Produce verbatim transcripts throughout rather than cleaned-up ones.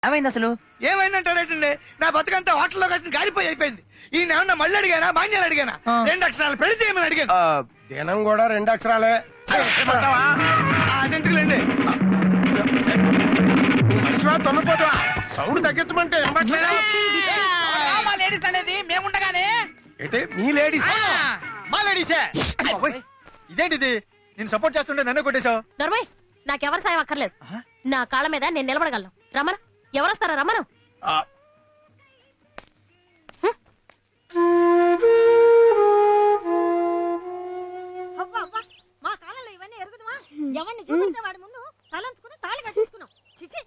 ఏమైంది అసలు? ఏమైందంటారేటండి, నా బతుకంతా హోటల్లో కలిసి గాలిపోయి అయిపోయింది. ఈ ఏమన్నా మళ్ళీ అడిగానా, మాన్యాలు అడిగానా? రెండు అక్షరాలు పెళ్లి చేయమని అడిగాను. దినం కూడా రెండు అక్షరాలే. అదెందుకులేండి, మనిషివా తొమ్మిపోతావా? సౌండ్ తగ్గించమంటే మా లేడీస్ అనేది మేముండగానే ఏంటి మీ లేడీస్? మా లేడీసే. ఇదేంటిది, నేను సపోర్ట్ చేస్తుంటే నన్ను కొట్టేశావు. దొరబాయ్, నాకెవరి సాయం అక్కర్లేదు. నా కాళ్ళ మీద నేను నిలబడగలను. రమణ, ఎవరొస్తారా? రమణ. మా కాలంలో ఇవన్నీ ఎరుగుదమా? ఎవరిని చూపిస్తే వాడి ముందు తలంచుకుని తాళి కట్టించుకున్నాం. చిచి,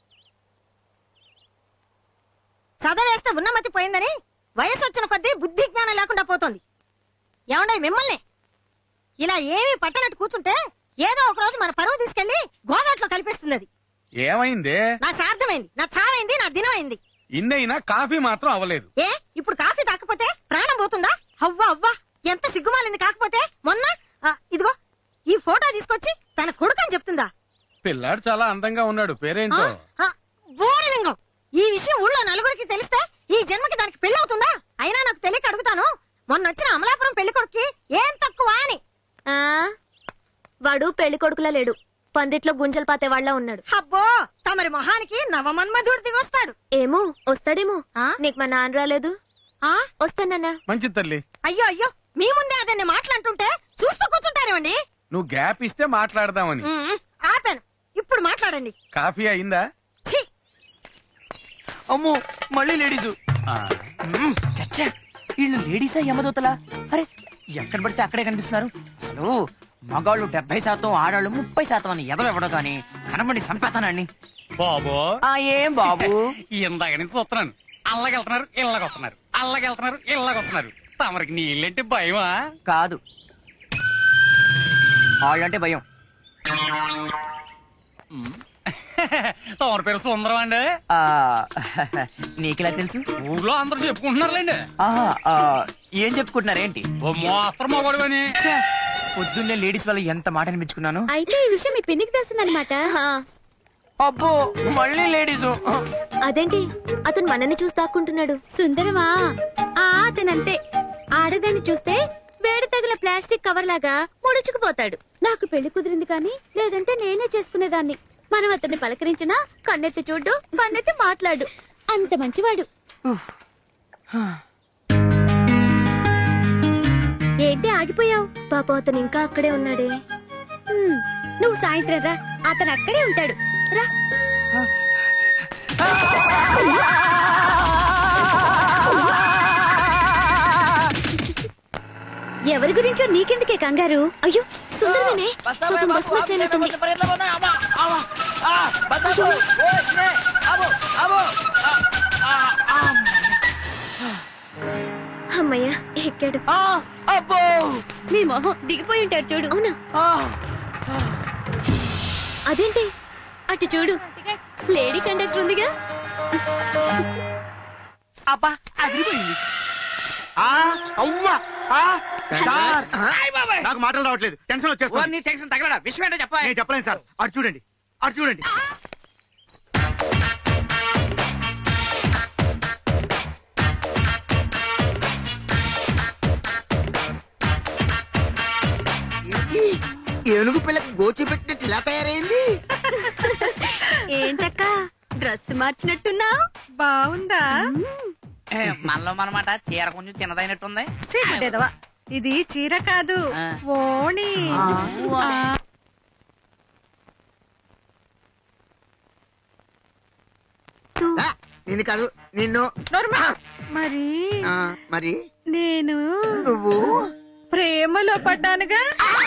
చదవేస్తే ఉన్నమతి పోయిందని వయసు వచ్చిన కొద్దీ బుద్ధి జ్ఞానం లేకుండా పోతోంది. ఏమండే మిమ్మల్ని ఇలా ఏమీ పట్టనట్టు కూర్చుంటే ఏదో ఒక రోజు మన పరువు తీసుకెళ్లి గోదాట్లో కల్పిస్తుంది. అది ఏమైంది? నా సార్థమైంది, నా చావైంది, నా దినం అయింది. ఇన్నైనా కాఫీ మాత్రం అవ్వలేదు. ఏ ఇప్పుడు కాఫీ తాకపోతే ప్రాణం పోతుందా? అవ్వా అవ్వా, ఎంత సిగ్గుమాలింది. కాకపోతే మొన్న ఆ, ఇదిగో ఈ ఫోటో తీసుకొచ్చి తన కొడుకని చెప్తుందా? పిల్లాడు చాలా అందంగా ఉన్నాడు, పేరేంటో? బోరలింగం. ఈ విషయం ఊళ్ళో నలుగురికి తెలిస్తే ఈ జన్మకి దానికి పెళ్ళవుతుందా? అయినా నాకు తెలియక అడుగుతాను, మొన్న వచ్చిన అమలాపురం పెళ్లి కొడుక్కి ఏం తక్కువ అని. ఆ వాడు పెళ్లి కొడుకులా లేడు, పందిట్లో గుంజలు పాతే వాళ్ళ ఉన్నాడు. అబ్బో, తమరి మొహానికి నవమన్మధుడు దిగొస్తాడు. ఏమో వస్తాడేమో. ఆ? నీకు మా నాన్న రాలేదు? ఆ వస్తానన్నా. మంచి తల్లి. అయ్యో అయ్యో, మీ ముందే అదన్ని మాట్లాడుతుంటే చూస్తూ కూర్చుంటారేమండి? నువ్వు గ్యాప్ ఇస్తే మాట్లాడదామని. ఉమ్, ఆపాను. ఇప్పుడు మాట్లాడండి. కాఫీ అయిందా? ఛీ, అమ్మో, మళ్ళీ లేడీసు. చచ్చా, వీళ్ళు లేడీసా యమదూతలా? అరే, ఎక్కడ పడితే అక్కడే కనిపిస్తున్నారు. అసలు మగాళ్ళు డెబ్బై శాతం, ఆడాళ్ళు ముప్పై శాతం అని ఎదవెవడో గాని కనబడి సంపేతానండి. బాబు ఆ ఏం బాబు, ఇందాక నుంచి చూస్తున్నాను. అల్లగెళ్తున్నారు, ఇళ్ళగొస్తున్నారు, అల్లగెళ్తున్నారు, ఇళ్ళగొస్తున్నారు. తమరికి నీళ్ళంటే భయమా? కాదు, వాళ్ళంటే భయం. తమరి పేరు సుందరం అండి. ఆ నీకెలా తెలుసు? ఊళ్ళో అందరూ చెప్పుకుంటున్నారులేండి. ఆహా, ఆ, ఏం చెప్పుకుంటున్నారేంటి? ఓ మోస్తరు మగవాడు అని. ఛే, పొద్దున్నే లేడీస్ వల్ల ఎంత మాట అనిపించుకున్నాను. అయితే ఈ విషయం మీ పిన్నికి తెలిసిందనమాట. అబ్బో, మళ్ళీ లేడీసు. అదేంటి, అతను మనల్ని చూసి దాక్కుంటున్నాడు. సుందరమా, ఆ అతనంతే. ఆడదాన్ని చూస్తే వేడి తగిల ప్లాస్టిక్ కవర్ లాగా ముడుచుకుపోతాడు. నాకు పెళ్లి కుదిరింది కానీ లేదంటే నేనే చేసుకునేదాన్ని. మనం అతన్ని పలకరించినా కన్నెత్తి చూడు, కన్నెత్తి మాట్లాడు. అంత మంచివాడు. ఏంటి ఆగిపోయావు? పాపం అతను ఇంకా అక్కడే ఉన్నాడే. హ్మ్, నువ్వు సాయంత్రం రా, అతను అక్కడే ఉంటాడు. రా. ఎవరి గురించో నీకెందుకే కంగారు? అయ్యో సుందరమేనే, పాపం బస్ మిస్ అయినట్టుంది. అమ్మయ్యా, ఎక్కాడు. అబ్బో, మీ మొహం దిగిపోయి ఉంటాడు చూడు. అవునా? అదేంటి అటు చూడు, లేడీ కండక్టర్ ఉందిగా. అబ్బా, అదిరిపోయింది. నాకు మాటలు రావట్లేదు, టెన్షన్ వచ్చేస్తుంది. నీ టెన్షన్ తగలడా? విషయం ఏంటో చెప్పా. నేను చెప్పలేను సార్. అటు చూడండి, అటు చూడండి. ఏనుగు పిల్లకి గోచి పెట్టినట్టు ఇలా తయారైంది. ఏంటక్క డ్రెస్ మార్చినట్టున్నావు? బాగుందా? మనలో మనమాట చీర కొంచెం చిన్నదైనట్టుంది. చీకటేదవా, ఇది చీర కాదు, ఆ. ఓణి. ఆ, నిన్ను కాదు, నిన్ను. మరి ఆ, మరి నేను నువ్వు ప్రేమలో పడ్డానుగా.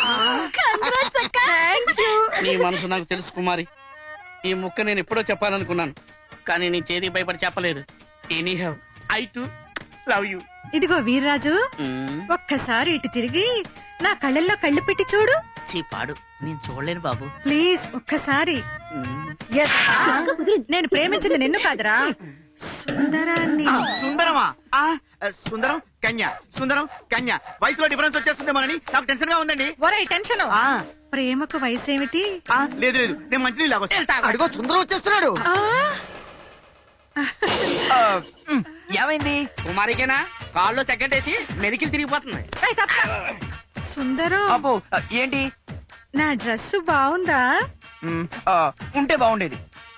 నీ మనసు నాకు తెలుసు కుమారి. ఈ ముక్క నేను ఎప్పుడో చెప్పాలనుకున్నాను, కానీ నీ చేతి భయపడి చెప్పలేదు. Any have I to love you. ఇదిగో వీర్రాజు, ఒక్కసారి ఇటు తిరిగి నా కళ్ళల్లో కళ్ళు పెట్టి చూడు. పాడు, నేను చూడలేను బాబు. ప్లీజ్ ఒక్కసారి. Yes. నేను ప్రేమించింది నిన్ను కాదురా, సుందరాన్ని. సుందరమా? ఆ, సుందరం కన్య, సుందరం కన్య. వయసులో డిఫరెన్స్ వచ్చేస్తుందేమోనని నాకు టెన్షన్ గా ఉందండి. ఒరే టెన్షన్, ఆ, ప్రేమకు వయసేమిటి? ఆ, లేదు లేదు, నేను మంచి నీళ్ళు అడిగో సుందరం వచ్చేస్తున్నాడు. ఏమైంది? కుమారికేనా కాల్లో సెకండ్ వేసి మెలికి తిరిగిపోతుంది. సుందరం అబ్బో ఏంటి? నా డ్రెస్ బాగుందా? మ్, ఆ, ఉంటే బాగుండేది.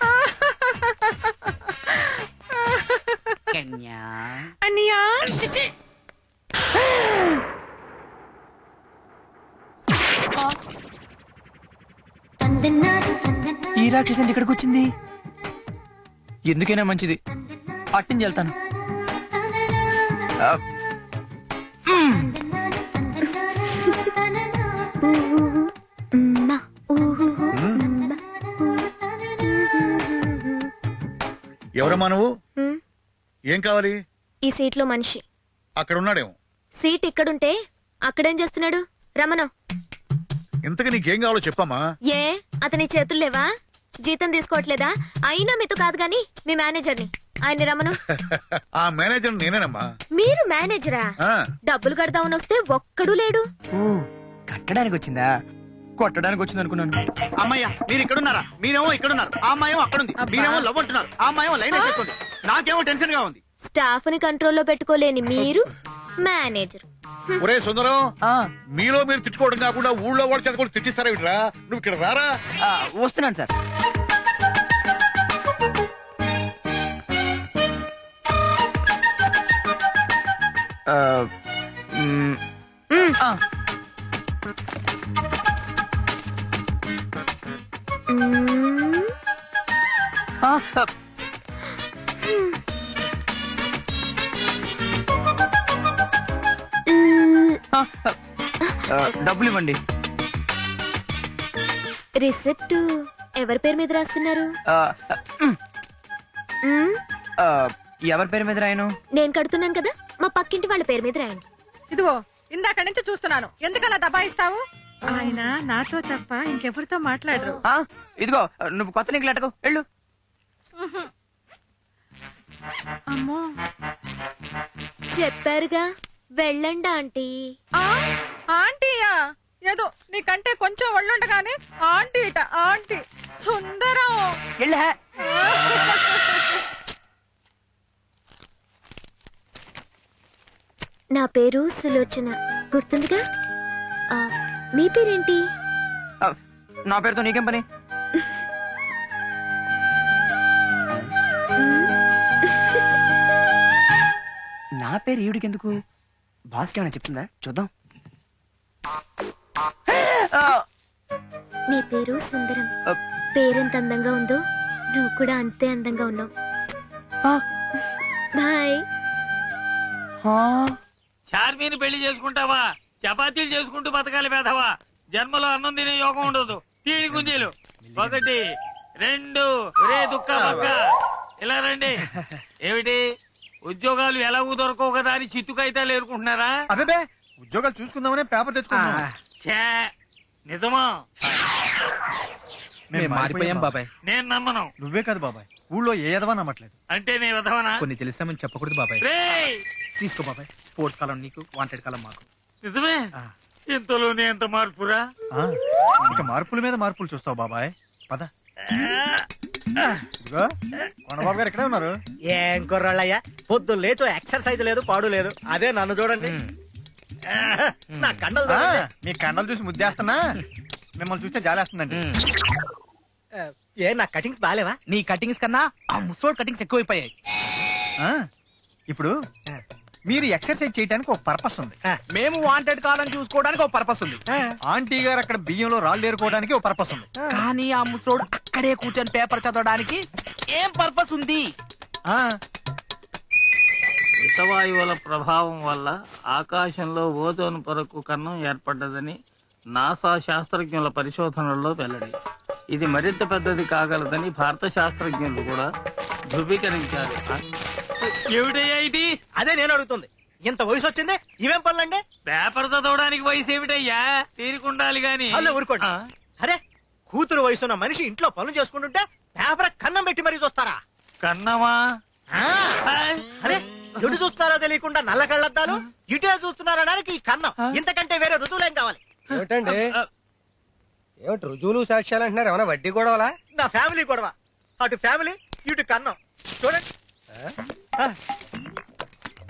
కన్యా అన్నయ్యా ఈ రాక్షసి ఇక్కడికి వచ్చింది. ఎందుకైనా మంచిది అట్టించి వెళ్తాను. ఆ, మ్. ఎవరమ్మా నువ్వు? హ్మ్. ఏం కావాలి? ఈ సీట్ లో మనిషి. అక్కడ ఉన్నాడేమో. సీట్ ఇక్కడుంటే అక్కడేం చేస్తున్నాడు? రమణం. ఇంతకు నీకేం కావాలో చెప్పమ్మా. ఏ అతని చేతులు లేవా? జీతం తీసుకోవట్లేదా? అయినా మీతో కాదు గాని మీ మేనేజర్ని. ఆయన రమణం. ఆ మేనేజర్ నేనేనమ్మా. మీరు మేనేజరా? ఆ, డబ్బులు కడదామని వస్తే ఒక్కడు లేడు. ఓ, కట్టడానికి వచ్చిందా? కొట్టడానికి వచ్చింది అనుకున్నాను. అమ్మయ్య మీరు ఇక్కడున్నారా? మీరేమో ఇక్కడున్నారు, ఆ అమ్మాయేమో అక్కడుంది. మీరేమో లవ్ అంటున్నారు, ఆ అమ్మాయేమో లైన్ వేసేస్తుంది. నాకేమో టెన్షన్ గా ఉంది. స్టాఫ్ ని కంట్రోల్లో పెట్టుకోలేని మీరు మేనేజర్. ఒరే సుందరం, ఆ, మీలో మీరు తిట్టుకోవడం కాకుండా ఊళ్ళో వాళ్ళు చదువుకోవడం తిట్టిస్తారా వీటిరా? నువ్వు ఇక్కడ రారా. ఆ, వస్తున్నాను సార్. ఆ, మ్, ఆ, మ్మ్. ఆ, ఆ, మ్మ్. ఆ, ఆ, డబ్బులు ఇవ్వండి. రిసిప్ట్ ఎవరి పేరు మీద రాస్తున్నారు? ఆ, మ్, మ్మ్. ఆ, ఎవరి పేరు మీద రాయను? నేను కడుతున్నాను కదా, మా పక్కింటి వాళ్ళ పేరు మీద రాయండి. ఇదిగో ఇందాక నుంచి చూస్తున్నాను, ఎందుకలా దబాయిస్తావు? ఆయన నాతో తప్ప ఇంకెవరితో మాట్లాడరు. ఆ, ఇదిగో నువ్వు కొత్త నీకు లెటకు వెళ్ళు. అమ్మో, చెప్పారుగా వెళ్ళండి ఆంటీ. ఆ, ఆంటీయా? ఏదో నీకంటే కొంచెం ఒళ్ళుండగానే ఆంటీ ఇట ఆంటీ. సుందరం వెళ్ళా. నా పేరు సులోచన, గుర్తుందిగా? ఆ, మీ పేరేంటి? ఆ, నా పేరుతో నీకేం పని? నా పేరు ఈవిడికి ఎందుకు? బాస్కి ఏమైనా చెప్తుందా? చూద్దాం. ఆ, నీ పేరు సుందరం. ఆ, పేరెంత అందంగా ఉందో నువ్వు కూడా అంతే అందంగా ఉన్నావు. ఆ, బాయ్. ఆ. చార్మీని పెళ్లి చేసుకుంటావా? చపాతీలు చేసుకుంటూ బతకాలి పేదవా. జన్మలో అన్నం తినే యోగం ఉండదు. తీడి గుంజీలు ఒకటి రెండు. రే దుక్క పక్క ఇలా రండి. ఏమిటి ఉద్యోగాలు ఎలాగూ దొరకవు కదా అని చిత్తుకైతాలు ఏరుకుంటున్నారా? అబ్బే ఉద్యోగాలు చూసుకుందామనే పేపర్ తెచ్చుకున్నా. ఛే, నిజమా? మేము మారిపోయాం బాబాయ్. నేను నమ్మను. నువ్వే కాదు బాబాయ్, ఊళ్ళో ఏ ఎదవా నమ్మట్లేదు. అంటే నీ విధవనా? కొన్ని తెలిసామని చెప్పకూడదు బాబాయ్. రేయ్, తీసుకో బాబాయ్, స్పోర్ట్స్ కాలం నీకు, వాంటెడ్ కాలం మాకు. నిజమే? ఇంతలోనే ఎంత మార్పురా? ఆ, ఇక మార్పుల మీద మార్పులు చూస్తావు బాబాయ్. పద. ఇదిగో కొండబాబు గారు ఇక్కడే ఉన్నారు. ఏం కుర్రాళ్ళయ్యా, పొద్దు లేచో ఎక్సర్సైజ్ లేదు, పాడు లేదు. అదే నన్ను చూడండి, నా కండలు ఆ, చూడండి. మీ కండలు చూసి ముద్దేస్తున్నా, మిమ్మల్ని చూస్తే జాలేస్తుందండి. ఏ నా కటింగ్స్ బాగాలేవా? నీ కటింగ్స్ కన్నా ఆ ముసోడ్ కటింగ్స్ ఎక్కువైపోయాయి. ఆ, ఇప్పుడు మీరు ఎక్సర్సైజ్ చేయడానికి ఒక పర్పస్ ఉంది. మేము వాంటెడ్ కాదని చూసుకోవడానికి ఒక పర్పస్ ఉంది. ఆంటీ గారు అక్కడ బియ్యంలో రాళ్ళు ఏరుకోవడానికి ఒక పర్పస్ ఉంది. కానీ ఆ ముసోడు అక్కడే కూర్చొని పేపర్ చదవడానికి ఏం పర్పస్ ఉంది? ఆ, హితవాయువుల ప్రభావం వల్ల ఆకాశంలో ఓజోన్ పొరకు కన్నం ఏర్పడ్డదని నాసా శాస్త్రజ్ఞుల పరిశోధనల్లో వెల్లడి. ఇది మరింత పెద్దది కాగలదని భారత శాస్త్రజ్ఞులు కూడా ధృవీకరించారు. ఏమిటయ్యా ఇది? అదే నేను అడుగుతుంది. ఇంత వయసు వచ్చింది, ఇవేం పనులండి? పేపర్ చదవడానికి వయసు ఏమిటయ్యా? తీరుకుండాలి గాని. అల్లే ఊరుకోండి. అరే, కూతురు వయసున్న మనిషి ఇంట్లో పనులు చేసుకుంటుంటే పేపర్ కన్నం పెట్టి మరీ చూస్తారా? కన్నమా? ఆ, అరే ఎటు చూస్తున్నారో తెలియకుండా నల్ల కళ్ళద్దాలు, ఇటే చూస్తున్నారనడానికి ఈ కన్నం. ఇంతకంటే వేరే రుజువులేం కావాలి? ఏమిటండి ఏమిటి రుజువులు సాక్ష్యాలు అంటున్నారు? ఏమైనా వడ్డీ గొడవలా? నా ఫ్యామిలీ గొడవ. అటు ఫ్యామిలీ, ఇటు కన్నం. చూడండి.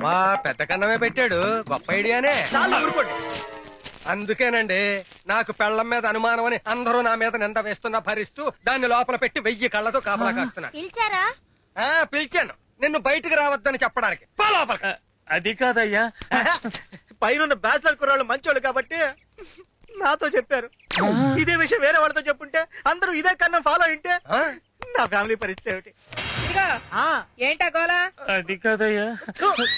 అబ్బా పెద్ద కన్నమే పెట్టాడు గొప్ప ఐడియానే. చాలా ఊరుకోండి. అందుకేనండి నాకు పెళ్లం మీద అనుమానం అని అందరూ నా మీద నింద వేస్తున్నా భరిస్తూ దాన్ని లోపల పెట్టి వెయ్యి కళ్ళతో కాపలా కాస్తున్నా. పిలిచారా? ఆ, పిలిచాను నిన్ను బయటికి రావద్దని చెప్పడానికి. పో లోపలికి. అది కాదయ్యా, పైన బ్యాచిలర్ కుర్రాళ్ళు మంచోళ్ళు కాబట్టి నాతో చెప్పారు. ఇదే విషయం వేరే వాళ్ళతో చెప్పుంటే అందరూ ఇదే కన్నా ఫాలో అయింటే ఆ? నా ఫ్యామిలీ పరిస్థితి ఏమిటి? అది కాదయ్యా.